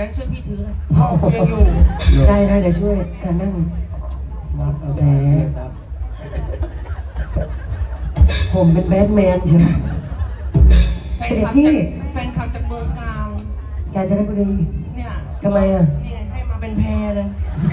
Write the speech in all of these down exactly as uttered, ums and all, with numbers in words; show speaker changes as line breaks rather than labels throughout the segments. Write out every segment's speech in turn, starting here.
งค์ช่วยพี่ถือหน่อย
พ่อกูยังอยู่
ได้ได้เดี๋ยวช่วยการนั่งแหมผมเป็นแบทแมนใช่ไหม
แฟน
เสด็
ค
จ
ลับ
พี่
จากแฟนคลับจากเมืองกาญ
กาญจนบุรี
เนี่ย
ทำไมอ่ะ
นี่ไงให้มาเป็นแพรเลย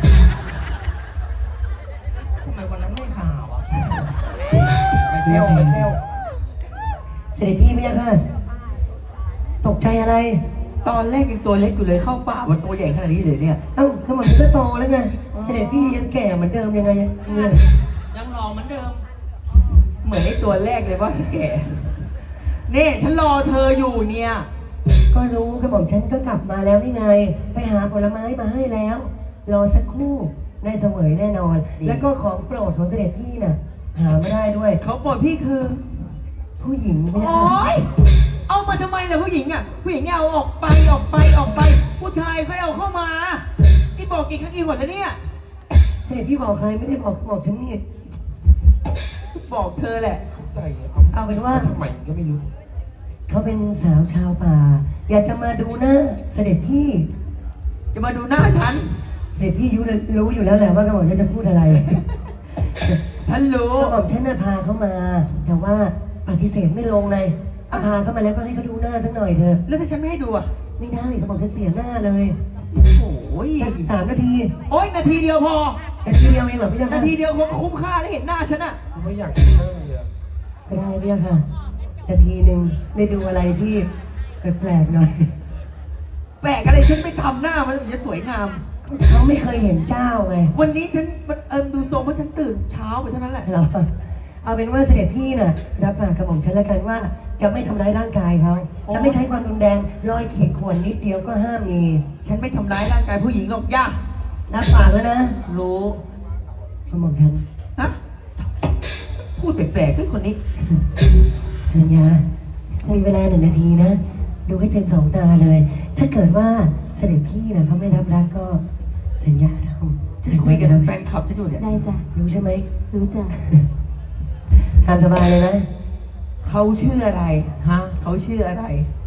ทำไมวันนั้นไม่ข่าวอ่ะ
ไปเซลไปเซล
เสด็จพี่ไม่ยังค่ะตกใจอะไร
ตอนแรกยังตัวเล็กอยู่เลยเข้าป่ามันตัวใหญ่ขนาดนี้เลยเนี่ย
เอ้าขมันก็โตแล้วไงเสด็จพี่ยังแก่เหมือนเดิมยังไงเนี่ย
ยังหล่อเหมือนเดิม
เหมือนไอ้ตัวแรกเลยว่าแกนี่ฉันรอเธออยู่เนี่ย
ก็รู้กระหม่อมฉันก็กลับมาแล้วนี่ไง ไปหาผลไม้มาให้แล้ว รอสักครู่ได้เสวยแน่นอน แล้วก็ของโปรดของเสด็จพี่น่ะ หาไม่ได้ด้วย
เขาบอกพี่คือ
ผู้หญิงเนี่ย
โอ๊ยเอามาทำไมล่ะผู้หญิงอ่ะผู้หญิงเนี่ยเอาออกไปออกไปออกไป ผู้ชายเขาเอาเข้ามานี่บอกกี่ครั้งกี่หนแล้วเนี่ย
เสด็จพี่บอกใครไม่ได้บอกบอกฉันนี่
บอกเธอแหละ
ใจ
เอาเป็นว่า
ทำไมก็ไม่รู้
เขาเป็นสาวชาวป่า อยากจะมาดูหน้าเสด็จพี่
จะมาดูหน้าฉัน
เสด็จพี่รู้รู้อยู่แล้วแหละว่ากระหม่อมฉันจะพูดอะไร
ฉันรู้
กระหม่อมฉันน่ะพาเขามา แต่ว่าปฏิเสธไม่ลงเลยพาเขามาแล้วก็ให้เขาดูหน้าสักหน่อยเถอะ
แล้วถ้าฉันไม่ให้ดูอ่ะ
ไม่ได้กระหม่อมฉันเสียหน้าเลย
โอ้ย
สักสามนาที
โอ๊ยนาทีเดียวพอ
นาทีเดียวเองเหรอพี่ยัง
นาทีเดียวผมคุ้มค่าได้เห็นหน้าฉันอ่ะ
กูไม่อยากกินหน้าเลยอะ
ก็ได้พี่ค่ะนาทีหนึ่งได้ดูอะไรที่แปลกๆหน่อย
แปลกอะไรฉันไปทำหน้ามันถึงจะสวยงาม
เขาไม่เคยเห็นเจ้าไง
วันนี้ฉันมันเออดูทรงว่าฉันตื่นเช้าไปเท่านั้นแหละ
เหรอเอาเป็นว่าเสด็จพี่น่ะรับปากกับผมฉันแล้วกันว่า จะไม่ทำร้ายร่างกายเขาจะไม่ใช้ความรุนแรงรอยขีดข่วนนิดเดียวก็ห้ามมี
ฉันไม่ทำร้ายร่างกายผู้หญิงหรอกย่า
รับปากแล้วนะ
รู้
กระหม่อมฉัน
ฮะพูดแปลกๆด้วยคนนี้
ธัญญามีเวลาหนึ่งนาทีนะ ดูให้เต็มสองตาเลย ถ้าเกิดว่าเสด็จพี่นะเขาไม่รับรักก็สัญญาเรา
ฉันคุยกับแฟนคลับฉันอยู่เนี่ย
ได้จ้ะ
รู้ใช่ไหม
รู้จ้ะ
ตามสบายเลยนะ
เขาชื่ออะไรฮะเขาชื่ออะไร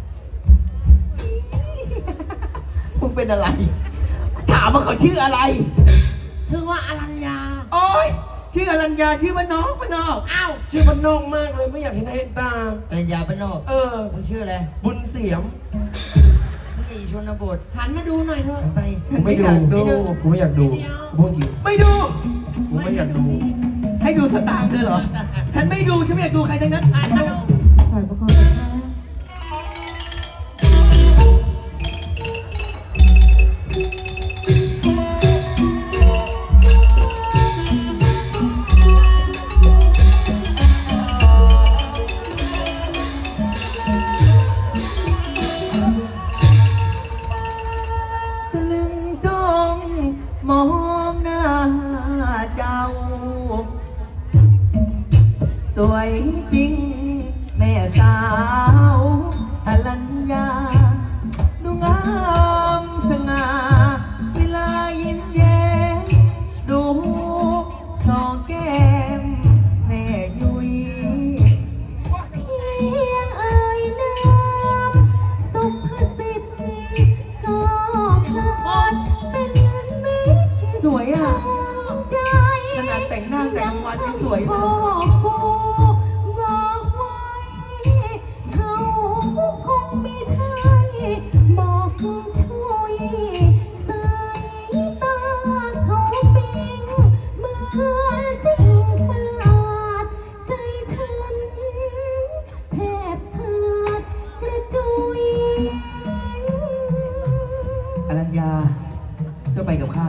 มึงเป็นอะไร ถามว่าเขาชื่ออะไร
ชื่อว่าอรัญญา
โอ๊ยชื่ออรัญญาชื่อมันน้องมันนอก
อ้าว
ชื่อมันนอกมากเลยไม่อยากเห็นหน้าเห็นตา
อรัญญาบ้านนอก
เออ
มึงชื่ออะไร
บุญเสียม
มึงอีชนบทหันมาดูหน่อยเถอะไป
ฉันไม่อยากดู
กูไม่อยากดูกูพูดจริง
ไม่ดู
กูไม่อยากดู
ให้ดูสตางค์เลยเหรอ ฉันไม่ดู ฉันไม่อยากดูใครทั้งนั้น
หันมาดู
ถอยประกอบนะคะ
ตะลึงจ้องมองหน้าเจ้า สวยจริง แม่สาวอรัญญา ดูงามสง่าเวลายิ้มแย้มดูคลอแก้มแม่ยุย
เพียงเอ่ยนามสุภสิทธิ์ก็เพลิดเป็นมิตร
สวยอ่ะ
ใจ
ขนาดแต่งหน้าแต่งกลางวันยังสวย
พ่
เล
อย ปู่บอกไว้เขาคงไม่ใช่บอกช่วยสายตาเขาปิงเหมือนสิ่งประหลาดใจฉันแทบขาดกระจุย
อรัญญาเจ้าไปกับข้า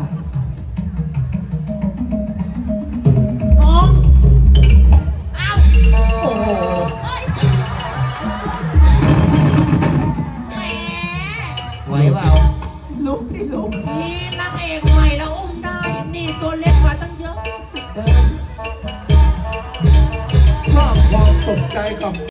น้องอ้าวโอ้โหแหมไหวเปล่า
ลุกสิลุก
นี่นางเอกใหม่แล้วอุ้มได้ นี่ตัวเล็กกว่าตั้งเยอะ
เดิน
ชอบความตกใจกับ